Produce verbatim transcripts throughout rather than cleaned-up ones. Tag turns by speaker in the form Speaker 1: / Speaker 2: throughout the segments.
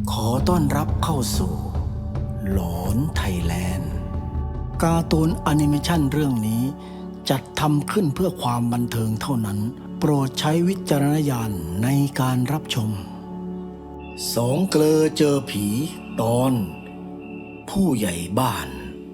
Speaker 1: ขอต้อนรับเข้าสู่หลอนไทยแลนด์การ์ตูนแอนิเมชันเรื่องนี้จัดทำขึ้นเพื่อความบันเทิงเท่านั้นโปรดใช้วิจารณญาณในการรับชมสองเกลอเจอผีตอนผู้ใหญ่บ้าน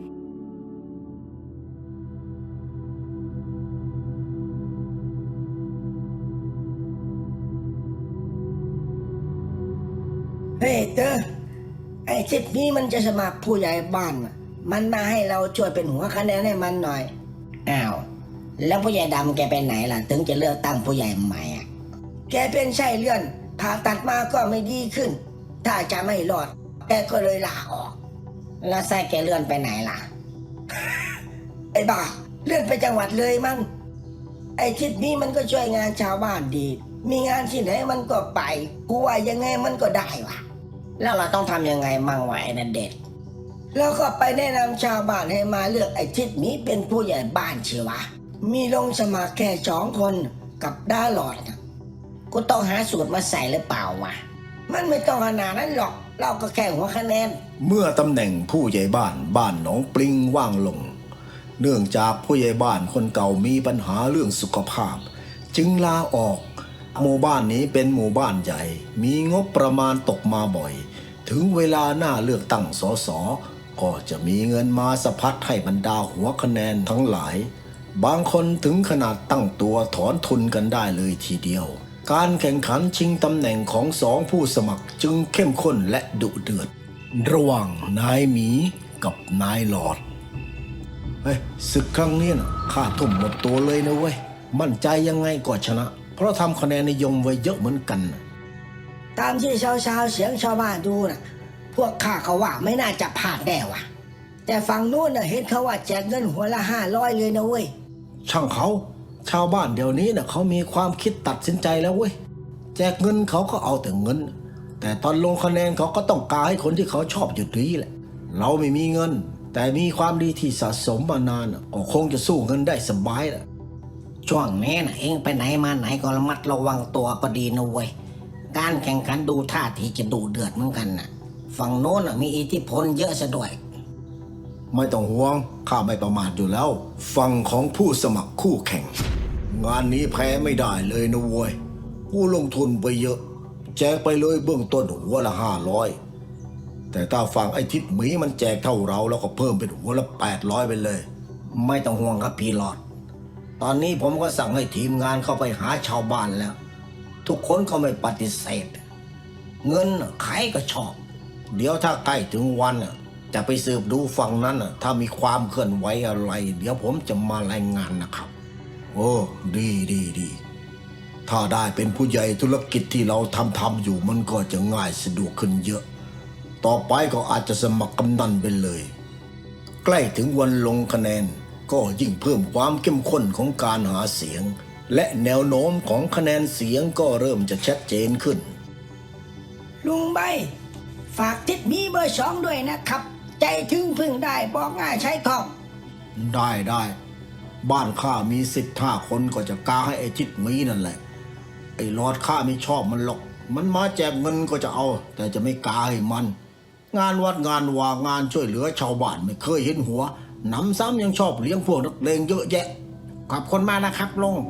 Speaker 2: เฮ้ยเต๋อไอ้ทิศนี้มันจะสมัครผู้ใหญ่บ้านน่ะมันมาให้เราช่วยเป็นหัวคะแนนให้มันหน่อยอ้าวแล้วผู้ใหญ่ดำแกไปไหนล่ะถึงจะเลือกตั้งผู้ใหญ่ใหม่อ่ะแกเป็นไส้เลื่อนผ่าตัดมาก็ไม่ดีขึ้นถ้าจะไม่รอดแกก็เลยลาออกแล้วไส้แกเลื่อนไปไหนล่ะ ไอ้บ้าเลื่อนไปจังหวัดเลยมั้งไอ้ทิศนี้มันก็ช่วยงานชาวบ้านดีมีงานที่ไหนมันก็ไปกูว่ายังไงมันก็ได้วะแล้วเราต้องทำยังไงมั่งวะไอ้นั่นเด็ดแล้วก็ไปแนะนำชาวบ้านให้มาเลือกไอ้ทิศนี้เป็นผู้ใหญ่บ้านเชียววะมีลงสมัครแค่สองคนกับด้าหลอดนะกูต้องหาสูตรมาใส่หรือเปล่าวะมันไม่ต้องขนาดนั้นหรอกเราก็แค่หัวคะแนน
Speaker 1: เมื่อตำแหน่งผู้ใหญ่บ้านบ้านหนองปลิงว่างลงเนื่องจากผู้ใหญ่บ้านคนเก่ามีปัญหาเรื่องสุขภาพจึงลาออกหมู่บ้านนี้เป็นหมู่บ้านใหญ่มีงบประมาณตกมาบ่อยถึงเวลาหน้าเลือกตั้งสสก็จะมีเงินมาสะพัดให้บรรดาหัวคะแนนทั้งหลายบางคนถึงขนาดตั้งตัวถอนทุนกันได้เลยทีเดียวการแข่งขันชิงตำแหน่งของสองผู้สมัครจึงเข้มข้นและดุเดือดระหว่างนายหมีกับนายหลอดเฮ้ยศึกครั้งนี้นะข้าทุ่มหมดตัวเลยนะเว้ยมั่นใจยังไงก็ชนะเพราะทำคะแนนนิยมไว้เยอะเหมือนกันนะ
Speaker 2: ตามที่ชาวชาวเสียงชาวบ้านดูนะพวกข้าเขาว่าไม่น่าจะพลาดแน่วะแต่ฝั่งนู้นน่ะเห็นเขาว่าแจกเงินหัวละห้าร้อยเลยนะเว้ย
Speaker 1: ช่างเขาชาวบ้านเดี๋ยวนี้น่ะเขามีความคิดตัดสินใจแล้วเว้ยแจกเงินเขาก็เอาแต่เงินแต่ตอนลงคะแนนเขาก็ต้องการให้คนที่เขาชอบอยู่ดีแหละเราไม่มีเงินแต่มีความดีที่สะสมมานานก็คงจะสู้เงินได้สบายแหละ
Speaker 2: ช่วงนี้นะเองไปไหนมาไหนก็ระมัดระวังตัวก็ดีนะเว้ยการแข่งขันดูท่าทีจะดูเดือดเหมือนกันนะฝั่งโน้นมีอิทธิพลเยอะซะด้วย
Speaker 1: ไม่ต้องห่วงข้าไม่ประมาทอยู่แล้วฝั่งของผู้สมัครคู่แข่งงานนี้แพ้ไม่ได้เลยนะเว้ยผู้ลงทุนไปเยอะแจกไปเลยเบื้องต้นหัวละห้าร้อยแต่ถ้าฝั่งไอ้ทิศหมีมันแจกเท่าเราแล้วก็เพิ่มเป็นหัวละแปดร้อยไปเลย
Speaker 2: ไม่ต้องห่วงครับพี่หลอดตอนนี้ผมก็สั่งให้ทีมงานเข้าไปหาชาวบ้านแล้วทุกคนก็ไม่ปฏิเสธเงินใครก็ชอบเดี๋ยวถ้าใกล้ถึงวันจะไปสืบดูฝั่งนั้นถ้ามีความเคลื่อนไหวอะไรเดี๋ยวผมจะมารายงานนะครับ
Speaker 1: โอ้ดีดีดีถ้าได้เป็นผู้ใหญ่ธุรกิจที่เราทำทำอยู่มันก็จะง่ายสะดวกขึ้นเยอะต่อไปก็อาจจะสมัครกำนันไปเลยใกล้ถึงวันลงคะแนนก็ยิ่งเพิ่มความเข้มข้นของการหาเสียงและแนวโน้มของคะแนนเสียงก็เริ่มจะชัดเจนขึ้น
Speaker 2: ลุงใบฝากทิศมีเบอร์สองด้วยนะครับใจถึงพึ่งได้บอกง่ายใช้คล่อง
Speaker 1: ได้ได้บ้านข้ามีสิบห้าคนก็จะกาให้ไอ้ทิศมีนั่นแหละไอ้ลอดข้าไม่ชอบมันหรอกมันมาแจกเงินก็จะเอาแต่จะไม่กาให้มันงานวัดงานวางานช่วยเหลือชาวบ้านไม่เคยเห็นหัวน้ำซ้ำยังชอบเลี้ยงพวกนักเลงเยอะแยะขอบคุณมากนะครับลุง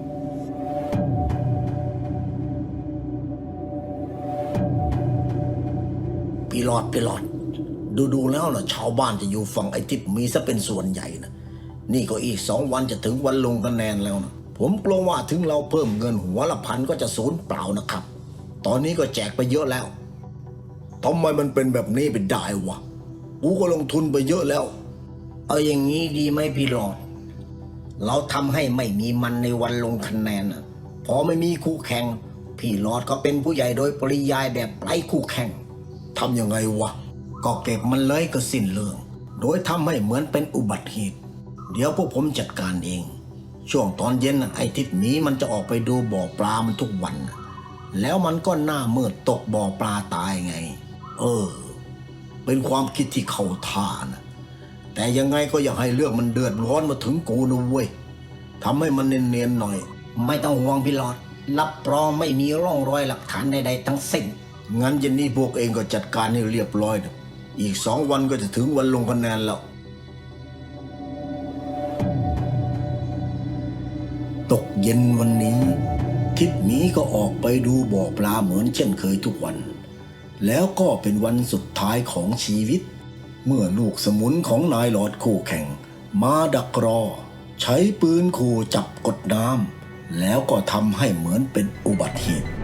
Speaker 1: พี่หลอดพี่หลอดดูดูแล้วนะชาวบ้านจะอยู่ฝั่งไอ้ทิศมีซะเป็นส่วนใหญ่นะนี่ก็อีกสองวันจะถึงวันลงคะแนนแล้วนะผมกลัวว่าถึงเราเพิ่มเงินหัวละพันก็จะสูญเปล่านะครับตอนนี้ก็แจกไปเยอะแล้วทำไมมันเป็นแบบนี้ไปได้วะกูก็ลงทุนไปเยอะแล้ว
Speaker 2: เอาอย่างนี้ดีไหมพี่หลอดเราทำให้ไม่มีมันในวันลงคะแนนพอไม่มีคู่แข่งพี่หลอดก็เป็นผู้ใหญ่โดยปริยายแบบไร้คู่แข่ง
Speaker 1: ทำยังไงวะก็เก็บมันเลยก็สิ้นเรื่องโดยทำให้เหมือนเป็นอุบัติเหตุเดี๋ยวพวกผมจัดการเองช่วงตอนเย็นไอ้ทิศนี้มันจะออกไปดูบ่อปลามันทุกวันแล้วมันก็หน้ามืดตกบ่อปลาตายไงเออเป็นความคิดที่เข้าท่านะแต่ยังไงก็อย่าให้เรื่องมันเดือดร้อนมาถึงกูนะเว้ยทำให้มันเนียนๆหน่อย
Speaker 2: ไม่ต้องห่วงพี่หลอดรับรองไม่มีร่องรอยหลักฐานใดๆทั้งสิ้น
Speaker 1: งั้นเย็นนี้พวกเองก็จัดการให้เรียบร้อยนะอีกสองวันก็จะถึงวันลงคะแนนแล้วตกเย็นวันนี้ทิดหมีก็ออกไปดูบ่อปลาเหมือนเช่นเคยทุกวันแล้วก็เป็นวันสุดท้ายของชีวิตเมื่อลูกสมุนของนายหลอดคู่แข่งมาดักรอใช้ปืนขู่จับกดน้ำแล้วก็ทำให้เหมือนเป็นอุบัติเหตุ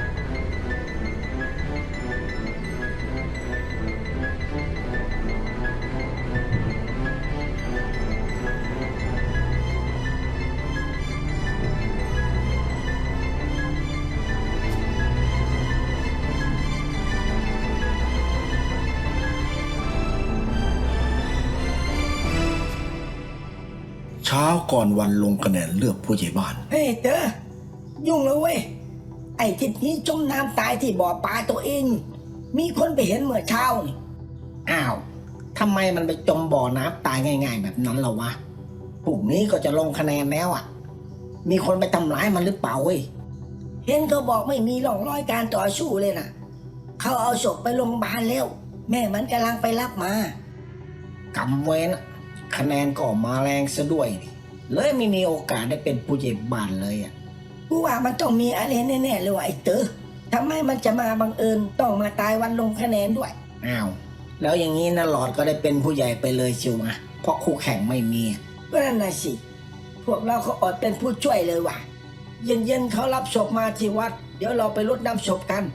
Speaker 1: เช้าก่อนวันลงคะแนนเลือกผู้ใหญ่บ้าน
Speaker 2: เฮ้ยเต๋อยุ่งแล้วเว้ยไอ้ทิศนี้จมน้ำตายที่บ่อปลาตัวเอง มีคนไปเห็นเมื่อเช้านี่อ้าวทำไมมันไปจมบ่อน้ำตายง่ายๆแบบนั้นล่ะวะพรุ่งนี้ก็จะลงคะแนนแล้วอ่ะมีคนไปทำร้ายมันหรือเปล่าเว้ยเห็นเขาบอกไม่มีร่องรอยการต่อสู้เลยนะเขาเอาศพไปโรงพยาบาลแล้วแม่มันกำลังไปรับมากำเว้นคะแนนก็มาแรงซะด้วยเลยไม่มีโอกาสได้เป็นผู้ใหญ่บ้านเลยอ่ะกูว่ามันต้องมีอะไรแน่ๆเลยว่ะไอ้เต๋อทำไมมันจะมาบังเอิญต้องมาตายวันลงคะแนนด้วยอ้าวแล้วอย่างนี้นะหลอดก็ได้เป็นผู้ใหญ่ไปเลยชิวมาเพราะคู่แข่งไม่มีก็นั่นน่ะสิพวกเราเขาอดเป็นผู้ช่วยเลยว่ะเย็นๆเขารับศพมาที่วัดเดี๋ยวเราไปรดน้ำศพกัน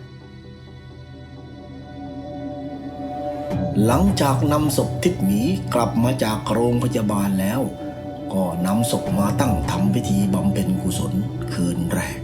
Speaker 1: หลังจากนำศพทิดหมีกลับมาจากโรงพยาบาลแล้วก็นำศพมาตั้งทำพิธีบำเพ็ญกุศลคืนแรก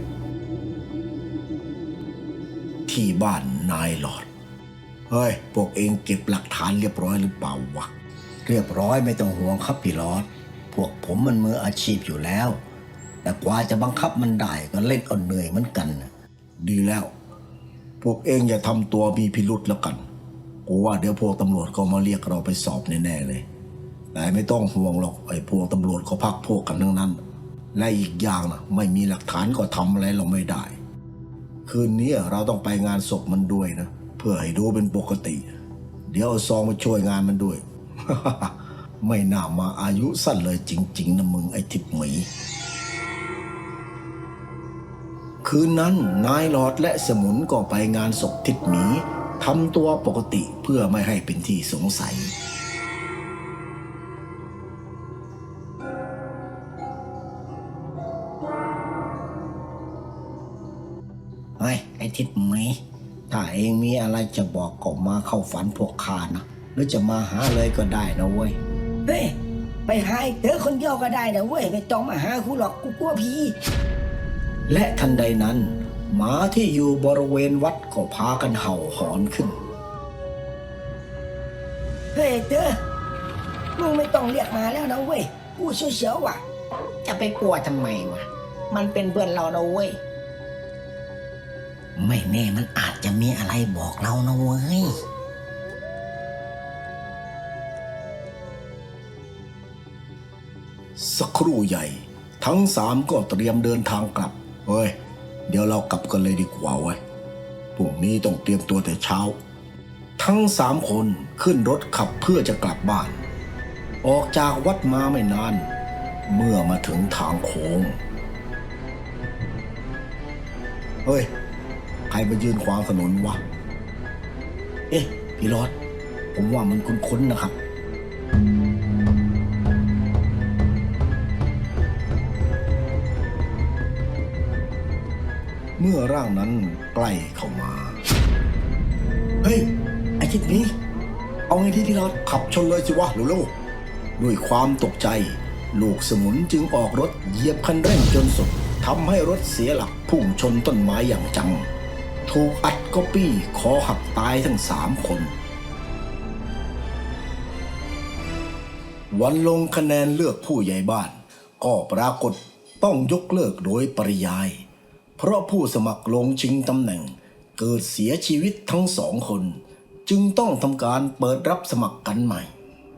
Speaker 1: ที่บ้านนายหลอดเฮ้ยพวกเองเก็บหลักฐานเรียบร้อยหรือเปล่าวะเรียบร้อยไม่ต้องห่วงครับพี่หลอดพวกผมมันมืออาชีพอยู่แล้วแต่กว่าจะบังคับมันได้ก็เล่นเอาเหนื่อยเหมือนกันดีแล้วพวกเองอย่าทำตัวมีพิรุธแล้วกันกูว่าเดี๋ยวพวกตำรวจก็มาเรียกเราไปสอบแน่ๆเลยแต่ไม่ต้องห่วงหรอกไอ้พวกตำรวจก็พักพวกกันทั้งนั้นและอีกอย่างนะไม่มีหลักฐานก็ทำอะไรเราไม่ได้คืนนี้เราต้องไปงานศพมันด้วยนะเพื่อให้ดูเป็นปกติเดี๋ยวเอาซองมาช่วยงานมันด้วย ไม่น่ามาอายุสั้นเลยจริงๆนะมึงไอ้ทิพย์หมีคืนนั้นนายหลอดและสมุนก็ไปงานศพทิดหมีทำตัวปกติเพื่อไม่ให้เป็นที่สงสัย
Speaker 2: เฮ้ยไอ้ทิดหมีถ้าเองมีอะไรจะบอกก็มาเข้าฝันพวกข้านะหรือจะมาหาเลยก็ได้นะเว้ยเฮ้ยไปหาไอ้เต๋อคนเดียวก็ได้นะเว้ยไม่ต้องมาหากูหรอกกูกลัวผี
Speaker 1: และทันใดนั้นหมาที่อยู่บริเวณวัดก็พากันเห่าหอนขึ้น
Speaker 2: เฮ้ยเต๋อมึงไม่ต้องเรียกมาแล้วนะเว้ยกูเสียวๆว่ะจะไปกลัวทำไมวะมันเป็นเพื่อนเรานะเว้ยไม่แน่มันอาจจะมีอะไรบอกเรานะเว้ย
Speaker 1: สักครู่ใหญ่ทั้งสามก็เตรียมเดินทางกลับเฮ้ยเดี๋ยวเรากลับกันเลยดีกว่าเว้ยพรุ่งนี้ต้องเตรียมตัวแต่เช้าทั้งสามคนขึ้นรถขับเพื่อจะกลับบ้านออกจากวัดมาไม่นานเมื่อมาถึงทางโค้งเฮ้ยใครมายืนขวางถนนวะเอ๊ะพี่รอดผมว่ามันคุ้นๆนะครับเมื่อร่างนั้นใกล้เข้ามาเฮ้ยไอ้ทิศนี้เอาไงที่ที่เราขับชนเลยสิวะเร็วๆด้วยความตกใจลูกสมุนจึงออกรถเหยียบคันเร่งจนสุดทำให้รถเสียหลักพุ่งชนต้นไม้อย่างจังถูกอัดก๊อปปี้คอหักตายทั้งสามคนวันลงคะแนนเลือกผู้ใหญ่บ้านก็ปรากฏต้องยกเลิกโดยปริยายเพราะผู้สมัครลงชิงตำแหน่งเกิดเสียชีวิตทั้งสองคนจึงต้องทำการเปิดรับสมัครกันใหม่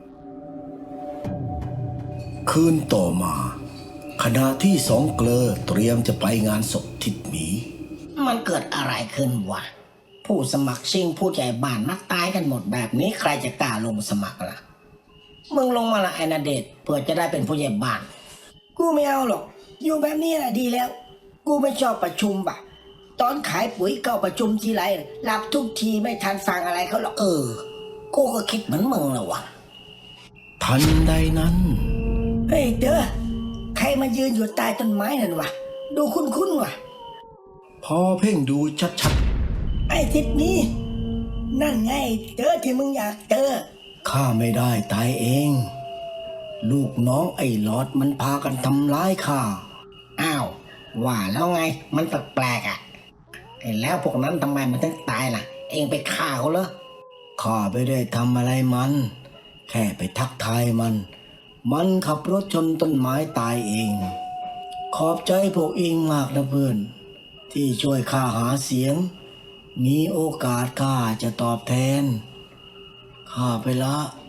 Speaker 1: คืนต่อมาขณะที่สองเกลอเตรียมจะไปงานศพทิดหมี
Speaker 2: มันเกิดอะไรขึ้นวะผู้สมัครชิงผู้ใหญ่บ้านมักตายกันหมดแบบนี้ใครจะกล้าลงสมัครล่ะมึงลงมาละไอ้นาเดชน์เพื่อจะได้เป็นผู้ใหญ่บ้านกูไม่เอาหรอกอยู่แบบนี้แหละดีแล้วกูไม่ชอบประชุมป่ะตอนขายปุ๋ยเข้าประชุมทีไรหลับทุกทีไม่ทันฟังอะไรเขาหรอกเออกูก็คิดเหมือนมึงแหละวะ
Speaker 1: ทันใดนั้น
Speaker 2: เฮ้ยเด้อใครมายืนอยู่ใต้ต้นไม้นั่นวะดูคุ้นๆวะ
Speaker 1: พอเพ่งดูชัด
Speaker 2: ไอ้ทิศนี้ นั่นไงเจอที่มึงอยากเจอ
Speaker 1: ๆข้าไม่ได้ตายเอง ลูกน้องไอ้หลอดมันพากันทำร้ายข้า
Speaker 2: อ้าวว่าแล้วไงมันแปลกๆอ่ะไอ้แล้วพวกนั้นทำไมมันถึงตายล่ะ เองไปฆ่าเขาเหรอ
Speaker 1: ข้าไม่ได้ทำอะไรมัน แค่ไปทักทายมัน มันขับรถชนต้นไม้ตายเอง ขอบใจพวกเองมากนะเพื่อน ที่ช่วยข้าหาเสียง มีโอกาสข้าจะตอบแทน ข้าไปละ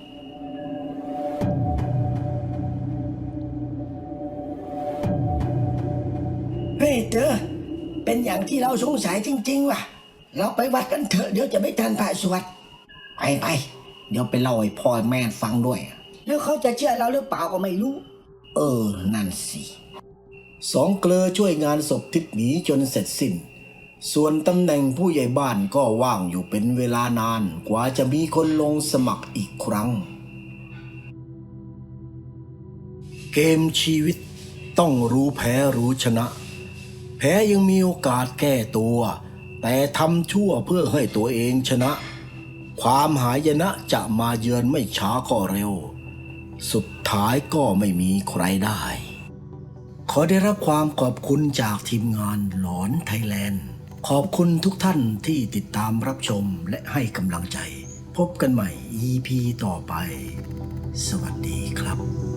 Speaker 2: เฮ้ยเจอเป็นอย่างที่เราสงสัยจริงๆว่ะเราไปวัดกันเถอะเดี๋ยวจะไม่ทันพระสวดไปไปเดี๋ยวไปเล่าให้พ่อแม่ฟังด้วย แล้วเขาจะเชื่อเราหรือเปล่าก็ไม่รู้ เออนั่นสิ
Speaker 1: สองเกลอช่วยงานศพทิศหมีจนเสร็จสิ้น ส่วนตำแหน่งผู้ใหญ่บ้านก็ว่างอยู่เป็นเวลานานกว่าจะมีคนลงสมัครอีกครั้ง เกมชีวิตต้องรู้แพ้รู้ชนะ แพ้ยังมีโอกาสแก้ตัว แต่ทำชั่วเพื่อให้ตัวเองชนะ ความหายนะจะมาเยือนไม่ช้าก็เร็ว สุดท้ายก็ไม่มีใครได้ ขอได้รับความขอบคุณจากทีมงานหลอนไทยแลนด์ ขอบคุณทุกท่านที่ติดตามรับชมและให้กำลังใจ พบกันใหม่ อี พี ต่อไป สวัสดีครับ